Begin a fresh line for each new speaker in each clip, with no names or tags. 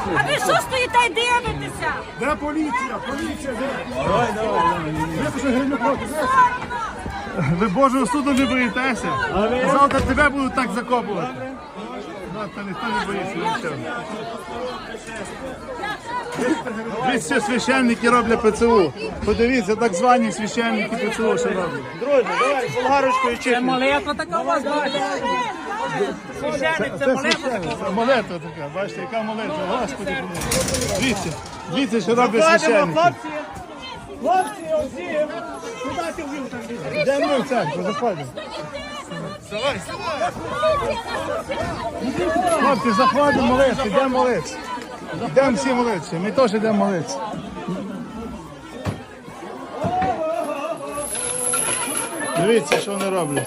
А ви що стоїте і дивитеся?
Де поліція? Поліція, де? Випиши гривню проти. Ви Божого суду не боїтеся? Завтра тебе будуть так закопувати. Завтра ніхто не боїться нічого. Дивіться, священники роблять ПЦУ. Подивіться, так звані священники ПЦУ, що роблять.
Друзі, давай, болгарочкою
Це
чіпимо.
молитва така у вас, бачите? Священник, це молитва така.
Це молитва така, бачите, яка молитва, Господи. Дивіться, дивіться, що роблять
Заходимо,
священники.
хлопці. Хлопці, оці. Куди ти ввів там?
Йдемо ми в церкву, заходимо. Хлопці, заходимо молитися, йдемо молитися. Йдемо всі молитися, ми теж йдемо молитися. Дивіться, що вони роблять.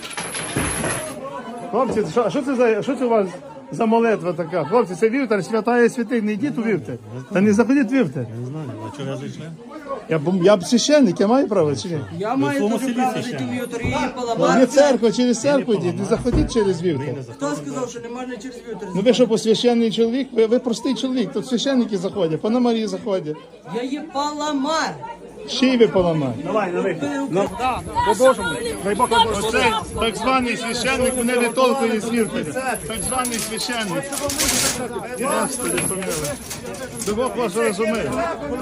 Хлопці, що це у вас за молитва така? Хлопці, це вівтар, святая святих, не йдіть у вівтар. Та не заходіть в вівтар.
Не знаю, а чого зайшли?
Я священник, я маю право чи ні?
Я маю дуже право жити в вівторі і
Не
поламати.
церква, через церкву йдіть, не заходіть через вівтар.
Хто сказав, що не можна через вівтор?
Ну ви що, священний чоловік? Ви простий чоловік, тут священники заходять, пана Марії заходять.
Я є паламар.
Ще й ви поламаєте.
Давай, на вихід.
Оцей так званий священник мене витолкує з вівтаря. Так званий священник. Господи, помилуй. Бог вас розуміє.